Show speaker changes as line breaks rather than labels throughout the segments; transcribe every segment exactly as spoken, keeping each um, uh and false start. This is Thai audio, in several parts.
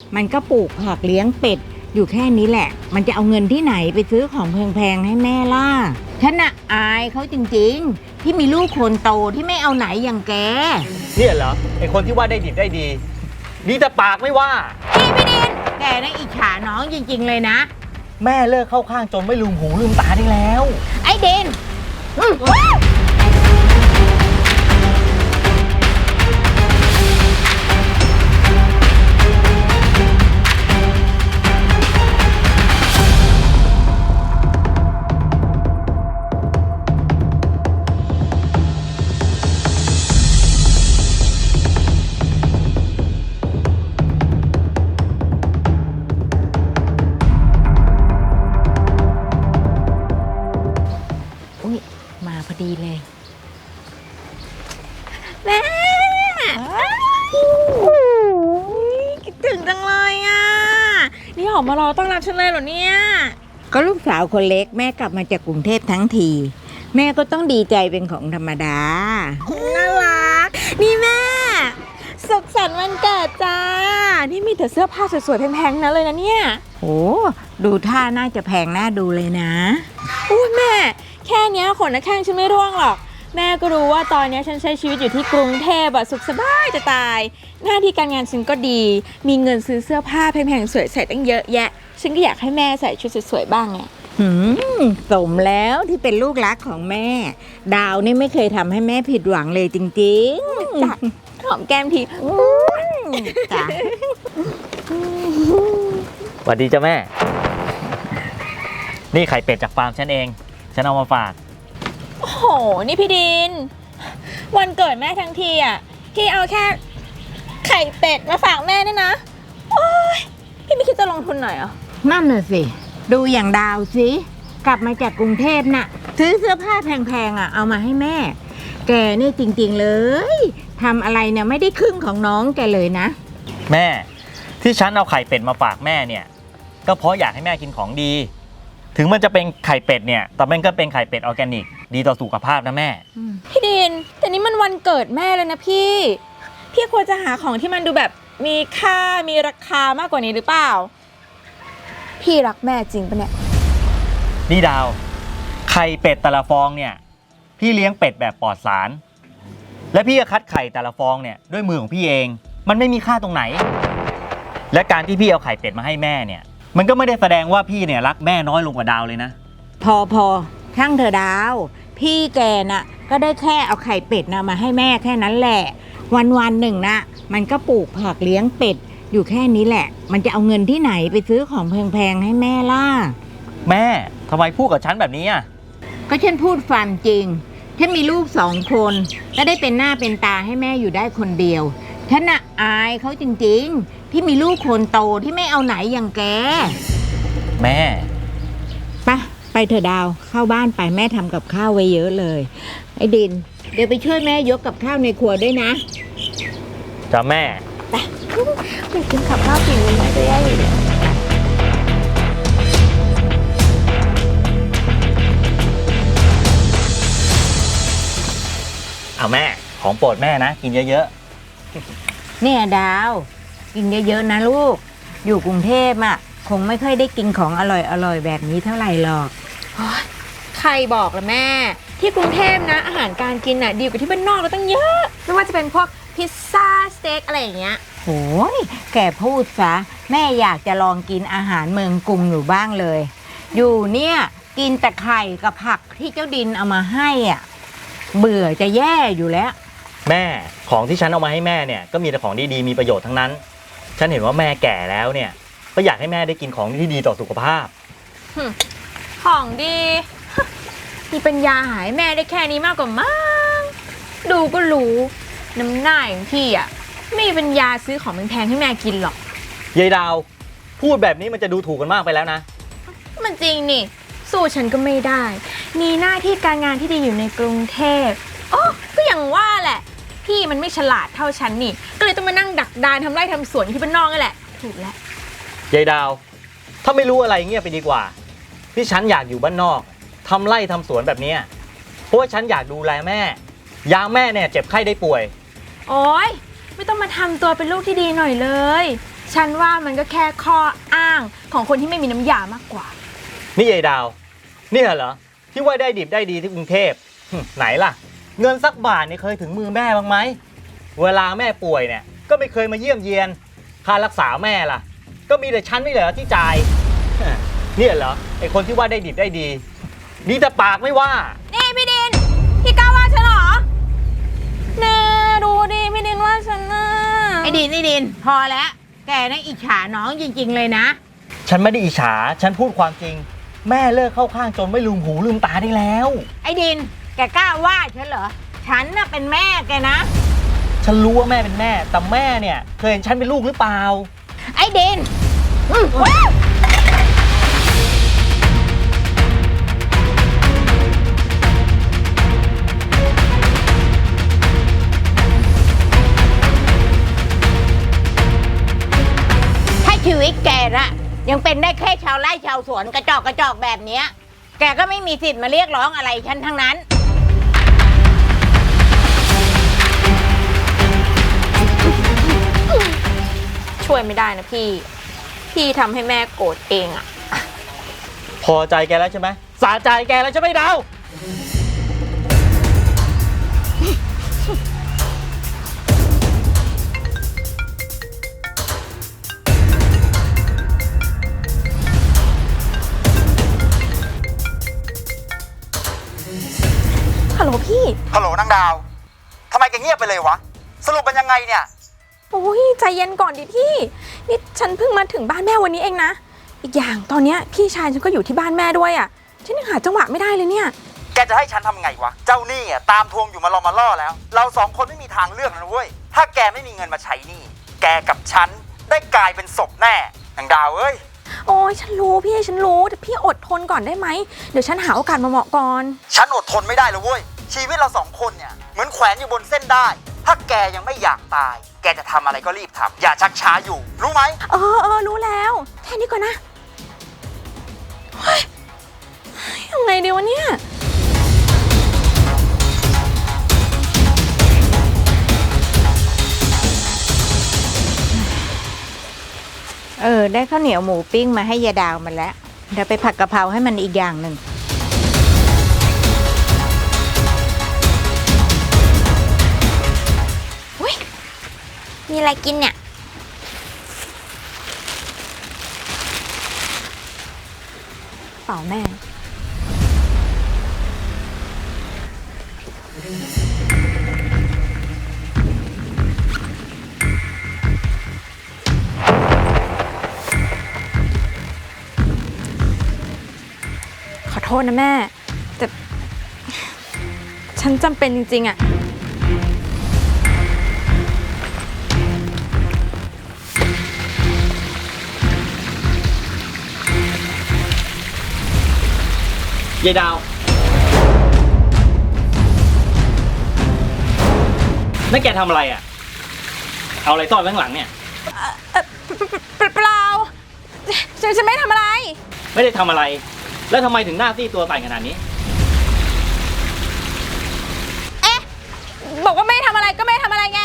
มันก็ปลูกผักเลี้ยงเป็ดอยู่แค่นี้แหละมันจะเอาเงินที่ไหนไปซื้อของแพงๆให้แม่ล่ะฉันน่ะอายเขาจริงๆที่มีลูกคนโตที่ไม่เอาไหนอย่างแก
เนี่ยเหรอไอคนที่ว่าได้ดิบได้ดีดีแต่ปากไม่ว่า
พี่พี่ดินแกน่ะอิจฉาน้องจริงๆเลยนะ
แม่เลิกเข้าข้างจนไม่ลืมหูลืมตาได้แล้ว
ไอ้ดินมาพอดีเลยแม่คิดถึงจังเลยอ่ะ
นี่หอมมารอต้อนรับฉันเลยเหรอเนี่ย
ก็ลูกสาวคนเล็กแม่กลับมาจากกรุงเทพทั้งทีแม่ก็ต้องดีใจเป็นของธรรมดา
น่ารักนี่แม่สุขสันต์วันเกิดจ้านี่มีแต่เสื้อผ้าสวยๆแพงๆนั้นเลยนะเนี่ย
โอ้ดูท่าน่าจะแพงน่าดูเลยนะ
อุ้ยแม่แค่นี้ขนนักแข้งฉันไม่ร่วงหรอกแม่ก็รู้ว่าตอนนี้ฉันใช้ชีวิตอยู่ที่กรุงเทพอะสุขสบายจะตายหน้าที่การงานฉันก็ดีมีเงินซื้อเสื้อผ้าแพงๆสวยใส่ตั้งเยอะแยะฉันก็อยากให้แม่ใส่ชุดสวยๆบ้างไง
หืมสมแล้วที่เป็นลูกรักของแม่ดาวนี่ไม่เคยทำให้แม่ผิดหวังเลยจริงๆ
จัดหอมแก้มที
จ้ะ
สวัสดีจ้ะแม่นี่ไข่เป็ดจากฟาร์มฉันเองฉันเอามาฝาก
โอ้โหนี่พี่ดินวันเกิดแม่ทั้งทีอ่ะพี่เอาแค่ไข่เป็ดมาฝากแม่เนี่ยนะโอ้ยพี่ไม่คิดจะลงทุนหน่อยเหรอ
นั่นน่ะสิดูอย่างดาวสิกลับมาจากกรุงเทพน่ะซื้อเสื้อผ้าแพงๆอ่ะเอามาให้แม่แกนี่จริงๆเลยทำอะไรเนี่ยไม่ได้ครึ่งของน้องแกเลยนะ
แม่ที่ฉันเอาไข่เป็ดมาฝากแม่เนี่ยก็เพราะอยากให้แม่กินของดีถึงมันจะเป็นไข่เป็ดเนี่ยแต่มันก็เป็นไข่เป็ดออร์แกนิกดีต่อสุขภาพนะแม่
พี่ดินแต่นี่มันวันเกิดแม่เลยนะพี่พี่ควรจะหาของที่มันดูแบบมีค่ามีราคามากกว่านี้หรือเปล่าพี่รักแม่จริงปะเนี่ย
นี่ดาวไข่เป็ดแต่ละฟองเนี่ยพี่เลี้ยงเป็ดแบบปลอดสารและพี่ก็คัดไข่แต่ละฟองเนี่ยด้วยมือของพี่เองมันไม่มีค่าตรงไหนและการที่พี่เอาไข่เป็ดมาให้แม่เนี่ยมันก็ไม่ได้แสดงว่าพี่เนี่ยรักแม่น้อยลงกว่าดาวเลยนะ
พอพอช่างเธอดาวพี่แกน่ะก็ได้แค่เอาไข่เป็ดนะมาให้แม่แค่นั้นแหละวันวันหนึ่งนะมันก็ปลูกผักเลี้ยงเป็ดอยู่แค่นี้แหละมันจะเอาเงินที่ไหนไปซื้อของแพงๆให้แม่ล่ะ
แม่ทำไมพูดกับฉันแบบนี้อ่ะ
ก็ฉันพูดความจริงฉันมีลูกสองคนและได้เป็นหน้าเป็นตาให้แม่อยู่ได้คนเดียวฉันน่ะอายเขาจริงๆที่มีลูกคนโตที่ไม่เอาไหนอย่างแก
แม่
ไปไปเถอะดาวเข้าบ้านไปแม่ทำกับข้าวไว้เยอะเลยไอ้ดินเดี๋ยวไปช่วยแม่ยกกับข้าวในครัวด้วยนะ
จ้ะแม่
ไปไปกินกับข้าวฝีมือแม่จะแย่อยู่เลย
เอาแม่ของโปรดแม่นะกินเยอะๆ
เนี่ยดาวกินเยอะๆนะลูกอยู่กรุงเทพอ่ะคงไม่ค่อยได้กินของอร่อยๆแบบนี้เท่าไหร่หรอก
ใครบอกล่ะแม่ที่กรุงเทพนะอาหารการกินน่ะดีกว่าที่บ้านนอกเราตั้งเยอะไม่ว่าจะเป็นพวกพิซซ่าสเต็กอะไรอย่างเงี้ย
โอ้ยแกพูดซะแม่อยากจะลองกินอาหารเมืองกรุงอยู่บ้างเลยอยู่เนี่ยกินแต่ไข่กับผักที่เจ้าดินเอามาให้อ่ะเบื่อจะแย่อยู่แล้ว
แม่ของที่ฉันเอามาให้แม่เนี่ยก็มีแต่ของดีๆมีประโยชน์ทั้งนั้นฉันเห็นว่าแม่แก่แล้วเนี่ยก็อยากให้แม่ได้กินของที่ดีต่อสุขภาพ
ของดีมีปัญญาหายแม่ได้แค่นี้มากกว่ามั้งดูก็รู้น้ำหน้าอย่างพี่อ่ะไม่มีปัญญาซื้อของแพงๆให้แม่กินหรอก
ยายดาวพูดแบบนี้มันจะดูถูกกันมากไปแล้วนะ
มันจริงนี่สู้ฉันก็ไม่ได้มีหน้าที่การงานที่ดีอยู่ในกรุงเทพโอ้ก็อย่างว่าแหละพี่มันไม่ฉลาดเท่าฉันนี่ก็เลยต้องมานั่งดักดานทำไร่ทำสวนที่บ้านนอกนั่นแหละถูกแล้ว
ยายดาวถ้าไม่รู้อะไรเงียบไปดีกว่าที่ฉันอยากอยู่บ้านนอกทำไร่ทำสวนแบบนี้เพราะว่าฉันอยากดูแลแม่ยามแม่เนี่ยเจ็บไข้ได้ป่วย
โอ๊ยไม่ต้องมาทำตัวเป็นลูกที่ดีหน่อยเลยฉันว่ามันก็แค่ข้ออ้างของคนที่ไม่มีน้ำยามากกว่า
นี่ยายดาวเนี่ยเหรอที่ว่าได้ดิบได้ดีที่กรุงเทพหึไหนล่ะ เงินสักบาทเนี่ยเคยถึงมือแม่บ้างไหมเวลาแม่ป่วยเนี่ยก็ไม่เคยมาเยี่ยมเยียนค่ารักษาแม่ล่ะ ก็มีแต่ฉันไม่เหรอที่จ่ายเนี่ยเหรอไอคนที่ว่าได้ดิบได้ดีมีแต่ปากไม่ว่า
นี่พี่ดิน พี่กล้าว่าฉันเหรอแน่ดูดิพี่ดินว่าฉันน่ะ
ไอ้ดินไอ้ดินพอแล้ว แกน่ะอิจฉาน้องจริงๆเลยนะ
ฉันไม่ได้อิจฉาฉันพูดความจริง แม่เลิกเข้าข้างจนไม่ลืมหูลืมตาได้แล้ว
ไอ้ดินแกกล้าว่าฉันเหรอ ฉันน่ะเป็นแม่แกนะ
ฉันรู้ว่าแม่เป็นแม่แต่แม่เนี่ยเคยเห็นฉันเป็นลูกหรือเปล่า
ไอ้ดินอื้อว้าวถ้าชีวิตแกน่ะยังเป็นได้แค่ชาวไร่ชาวสวนกระจอกกระจอกแบบเนี้ยแกก็ไม่มีสิทธิ์มาเรียกร้องอะไรฉันทั้งนั้น
ช่วยไม่ได้นะพี่ พี่ทำให้แม่โกรธเองอะ
พอใจแกแล้วใช่ไหมสะใจแกแล้วใช่ไหมดาว
ฮัลโหลพี่
ฮัลโหลนางดาวทำไมแกเงียบไปเลยวะ สรุปเป็นยังไงเนี่ย
โอ้ยใจเย็นก่อนดิพี่ นี่ฉันเพิ่งมาถึงบ้านแม่วันนี้เองนะ อีกอย่างตอนเนี้ยพี่ชายฉันก็อยู่ที่บ้านแม่ด้วยอะฉันยังหาจังหวะไม่ได้เลยเนี่ย
แกจะให้ฉันทำไงวะ เจ้าหนี้อ่ะตามทวงอยู่มารอมาล่อแล้ว เราสองคนไม่มีทางเลือกนะเว้ย ถ้าแกไม่มีเงินมาใช้หนี้ แกกับฉันได้กลายเป็นศพแน่นางดาวเอ้ย
โอ้ยฉันรู้พี่ฉันรู้แต่พี่อดทนก่อนได้ไหมเดี๋ยวฉันหาโอกาสมาเหมาะก่อน
ฉันอดทนไม่ได้เลยเว้ย ชีวิตเราสองคนเนี่ยเหมือนแขวนอยู่บนเส้นได้ ถ้าแกยังไม่อยากตาย แกจะทำอะไรก็รีบทำอย่าชักช้าอยู่ รู้ไหม
เออเออรู้แล้วแค่นี้ก่อนนะเฮ้ยยังไงดีวะเนี่ย
เออ ได้ข้าวเหนียวหมูปิ้งมาให้ยายดาวมันแล้ว เดี๋ยวไปผัดกะเพราให้มันอีกอย่างหนึ่ง
อุ้ยมีอะไรกินเนี่ยเปล่าแม่ ขอโทษนะแม่ แต่ ฉันจำเป็นจริงๆอะ
ยายดาวนั่นแกทำอะไรอ่ะ เอาอะไรซ่อนไว้ข้างหลังเนี่ย
เปล่าเปล่าฉันฉันไม่ทำอะไร
ไม่ได้ทำอะไร แล้วทำไมถึงหน้าซีดตัวใส่ขนาดนี้
บอกว่าไม่ทำอะไรก็ไม่ทำอะไรไง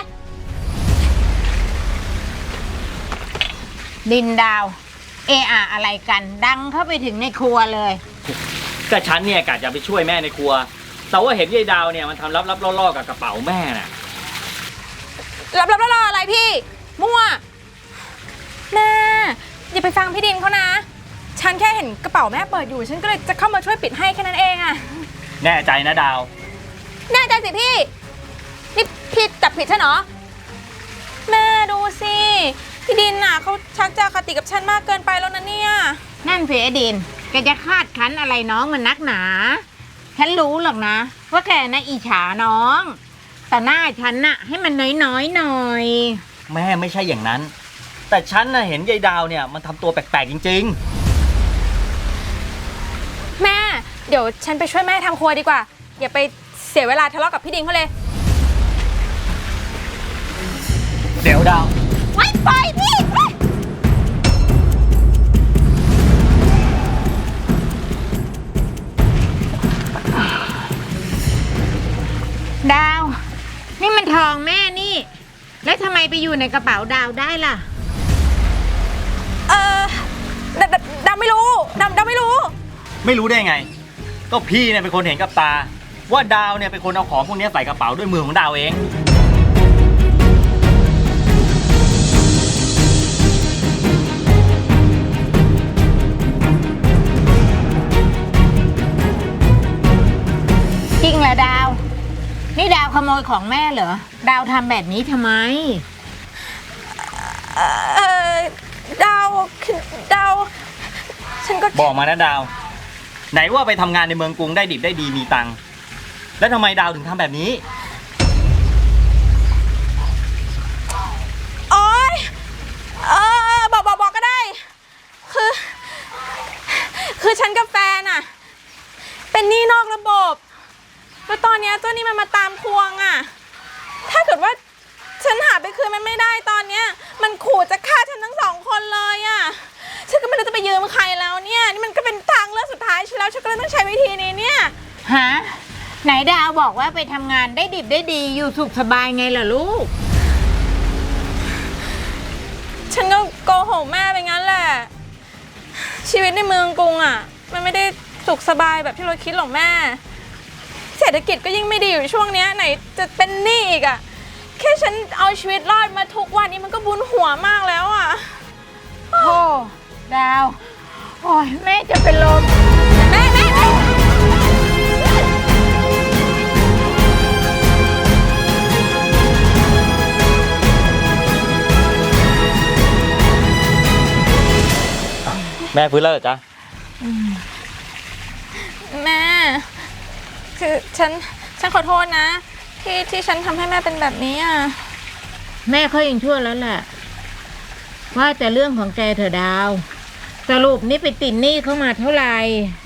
ดินดาว เอะอะอะไรกัน ดังเข้าไปถึงในครัวเลย
ก็ฉันเนี่ยกะจะไปช่วยแม่ในครัว แต่ว่าเห็นยายดาวเนี่ยมันทำลับๆล่อๆกับกระเป๋าแม่น่ะ
รับรับรออะไรพี่ มั่วแม่อย่าไปฟังพี่ดินเขานะ ฉันแค่เห็นกระเป๋าแม่เปิดอยู่ ฉันก็เลยจะเข้ามาช่วยปิดให้แค่นั้นเองอะ
แน่ใจนะดาว
แน่ใจสิพี่ นี่พี่จับผิดฉันเหรอ แม่ดูสิ พี่ดินน่ะเขาชักจะอคติกับฉันมากเกินไปแล้วนะเนี่ย
นั่นสิไอ้ดิน แกจะคาดคั้นอะไรน้องมันนักหนา ฉันรู้หรอกนะ ว่าแกน่ะอิจฉาน้อง แต่หน้าฉันน่ะให้มันน้อยๆหน่อย
แม่ไม่ใช่อย่างนั้น แต่ฉันน่ะเห็นยายดาวเนี่ยมันทำตัวแปลกๆจริง
แม่ เดี๋ยวฉันไปช่วยแม่ทำครัวดีกว่า อย่าไปเสียเวลาทะเลาะกับพี่ดินเขาเลย
ๆ เดี๋ยวดาว
ไว้ไปพี่ไป
ดาว นี่มันทองแม่นี่ แล้วทำไมไปอยู่ในกระเป๋าดาวได้ล่ะ
ดาวดาวไม่รู้
ไม่รู้ได้ไง ก็พี่เนี่ยเป็นคนเห็นกับตา ว่าดาวเนี่ยเป็นคนเอาของพวกนี้ใส่กระเป๋าด้วยมือของดาวเอง
จริงเหรอดาว นี่ดาวขโมยของแม่เหรอ ดาวทำแบบนี้ทำไม
เออดาวคือดาว ฉันก็
บอกมานะดาว ไหนว่าไปทำงานในเมืองกรุงได้ดิบได้ดีมีตังค์แล้วทำไมดาวถึงทำแบบนี้
โอ๊ยเออบอกบอกบอกก็ได้ คือ คือฉันกับแฟนอะเป็นหนี้นอกระบบ แล้วตอนเนี้ยเจ้าหนี้มันมาตามทวงอะถ้าเกิดว่าฉันหาไปคืนมันไม่ได้ตอนเนี้ยมันขู่จะฆ่าฉันทั้งสองคนเลยอะฉันก็ไม่รู้จะไปยืมใครแล้วเนี่ยนี่มันก็เป็นทางเลือกสุดท้ายฉันแล้วฉันก็เลยต้องใช้วิธีนี้เนี่ย
ฮะ ไหนดาวบอกว่าไปทำงานได้ดิบได้ดีอยู่สุขสบายไงล่ะลูก
ฉันก็โกหกแม่ไปงั้นแหละ ชีวิตในเมืองกรุงอ่ะมันไม่ได้สุขสบายแบบที่เราคิดหรอกแม่ เศรษฐกิจก็ยิ่งไม่ดีอยู่ช่วงเนี้ยไหนจะเป็นหนี้อีกอ่ะแค่ฉันเอาชีวิตรอดมาทุกวันนี้มันก็บุญหัวมากแล้วอ่ะ
โอ้ดาว โอ้ยแม่จะเป็นลม
แม่แม่แม่
แม่ฟื้นแล้วเหรอจ๊ะ
แม่ คือฉันฉันขอโทษนะ ที่ที่ฉันทำให้แม่เป็นแบบนี้อ่ะ
แม่เขายังชั่วแล้วแหละ ว่าแต่เรื่องของแกเถอะดาว สรุปนี่ไปติดหนี้เข้ามาเท่าไหร่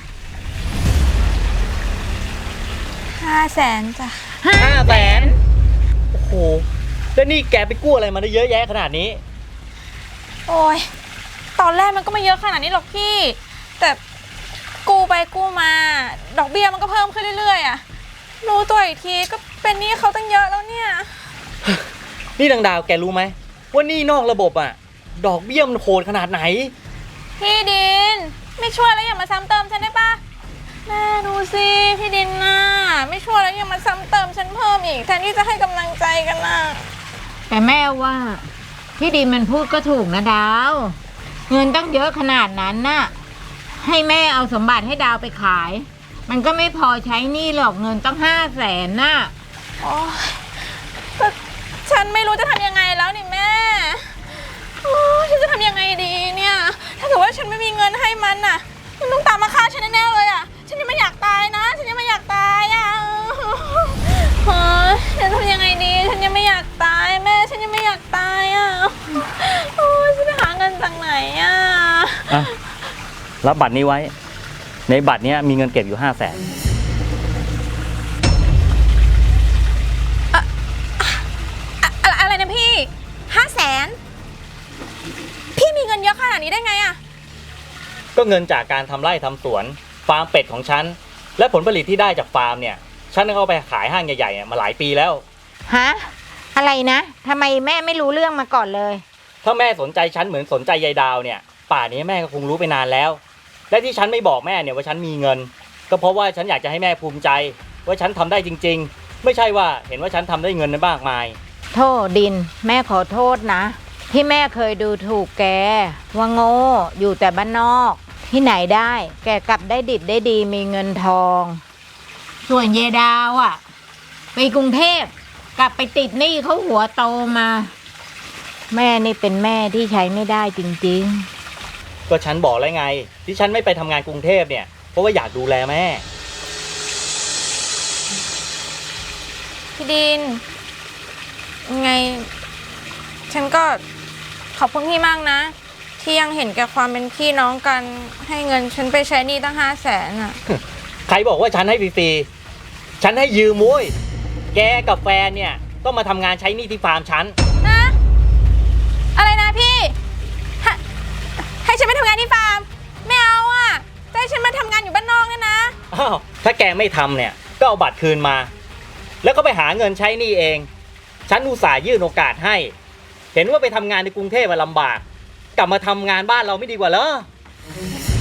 ห้าแสนจ้ะ
ห้าแสน โอ้โห แล้วนี่แกไปกู้อะไรมาได้เยอะแยะขนาดนี้
โอ้ยตอนแรกมันก็ไม่เยอะขนาดนี้หรอกพี่ แต่กู้ไปกู้มา ดอกเบี้ยมันก็เพิ่มขึ้นเรื่อยๆอ่ะรู้ตัวอีกทีก็เป็นหนี้เขาตั้งเยอะแล้วเนี่ย
นี่ดังดาวแกรู้ไหมว่านี่นอกระบบอ่ะ ดอกเบี้ยมันโหดขนาดไหน
พี่ดินไม่ช่วยแล้วอย่ามาซ้ำเติมฉันได้ปะแม่ดูสิพี่ดินน่ะไม่ช่วยแล้วยังมาซ้ำเติมฉันเพิ่มอีกแทนที่จะให้กำลังใจกันน่ะ
แต่แม่ว่าพี่ดีมันพูดก็ถูกนะดาว เงินตั้งเยอะขนาดนั้นน่ะ ให้แม่เอาสมบัติให้ดาวไปขาย มันก็ไม่พอใช้หนี้หรอกเงินตั้งห้าแสนน่ะ
โอ้ยแต่ฉันไม่รู้จะทำยังไงแล้วนี่แม่โอ้ยฉันจะทำยังไงดีเนี่ยถ้าเกิดว่าฉันไม่มีเงินให้มันน่ะมันต้องตามมาฆ่าฉันแน่ๆเลยอ่ะฉันยังไม่อยากตายนะฉันยังไม่อยากตายอ่ะโอ้ยฉันทำยังไงดีฉันยังไม่อยากตายแม่ฉันยังไม่อยากตายอ่ะโอ้ยฉันไปหาเงินจากไหนอ่ะ
อ่ะ รับบัตรนี้ไว้ ในบัตรเนี้ยมีเงินเก็บอยู่ห้าแสน
อะอะไรนะพี่ห้าแสนพี่มีเงินเยอะขนาดนี้ได้ไงอ่ะ
ก็เงินจากการทำไร่ทำสวน ฟาร์มเป็ดของฉัน และผลผลิตที่ได้จากฟาร์มเนี่ย ฉันก็เอาไปขายห้างใหญ่ๆเนี่ยมาหลายปีแล้ว
ฮะ อะไรนะทำไมแม่ไม่รู้เรื่องมาก่อนเลย
ถ้าแม่สนใจฉันเหมือนสนใจยายดาวเนี่ย ป่านนี้แม่ก็คงรู้ไปนานแล้ว และที่ฉันไม่บอกแม่เนี่ยว่าฉันมีเงิน ก็เพราะว่าฉันอยากจะให้แม่ภูมิใจ ว่าฉันทำได้จริงๆ ไม่ใช่ว่าเห็นว่าฉันทำได้เงินมากมาย
โทษดิน แม่ขอโทษนะ ที่แม่เคยดูถูกแก ว่าโง่อยู่แต่บ้านนอก ที่ไหนได้ แกกลับได้ดิบได้ดีมีเงินทอง ส่วนเยดาวอ่ะ ไปกรุงเทพกลับไปติดหนี้เขาหัวโตมา แม่นี่เป็นแม่ที่ใช้ไม่ได้จริงๆ
ก็ฉันบอกแล้วไง ที่ฉันไม่ไปทำงานกรุงเทพเนี่ยเพราะว่าอยากดูแลแม่
พี่ดินยังไง ฉันก็ขอบคุณพี่มากนะ ที่ยังเห็นแก่ความเป็นพี่น้องกันให้เงินฉันไปใช้หนี้ตั้งห้าแสนอ่ะ
ใครบอกว่าฉันให้ฟรีๆฉันให้ยืมมุ้ยแกกับแฟนเนี่ยต้องมาทำงานใช้หนี้ที่ฟาร์มฉัน
นะ อะไรนะพี่ให้ให้ฉันไปทำงานที่ฟาร์มไม่เอาอ่ะจะให้ฉันมาทำงานอยู่บ้านนอกเนี่ยนะ
อ้าว ถ้าแกไม่ทำเนี่ย ก็เอาบัตรคืนมา แล้วก็ไปหาเงินใช้หนี้เอง ฉันอุตส่าห์ยื่นโอกาสให้ เห็นว่าไปทำงานในกรุงเทพมันลำบาก กลับมาทำงานบ้านเราไม่ดีกว่าเหรอ